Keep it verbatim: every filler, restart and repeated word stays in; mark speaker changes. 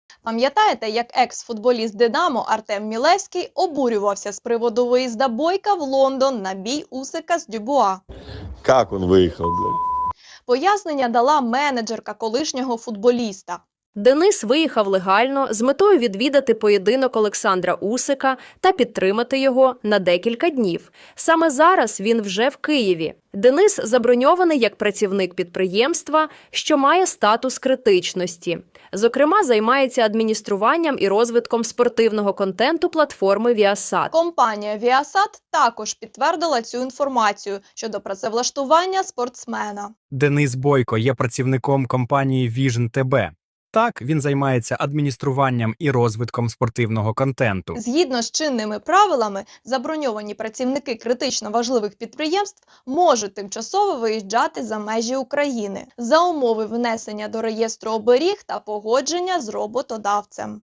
Speaker 1: Пам'ятаєте, як екс-футболіст «Динамо» Артем Мілевський обурювався з приводу виїзда Бойка в Лондон на бій Усика з Дюбуа?
Speaker 2: Как он выехал, блядь?
Speaker 1: Пояснення дала менеджерка колишнього футболіста.
Speaker 3: Денис виїхав легально з метою відвідати поєдинок Олександра Усика та підтримати його на декілька днів. Саме зараз він вже в Києві. Денис заброньований як працівник підприємства, що має статус критичності. Зокрема, займається адмініструванням і розвитком спортивного контенту платформи Viasat.
Speaker 1: Компанія Viasat також підтвердила цю інформацію щодо працевлаштування спортсмена.
Speaker 4: Денис Бойко є працівником компанії Vision ТБ. Так, він займається адмініструванням і розвитком спортивного контенту.
Speaker 1: Згідно з чинними правилами, заброньовані працівники критично важливих підприємств можуть тимчасово виїжджати за межі України за умови внесення до реєстру оберіг та погодження з роботодавцем.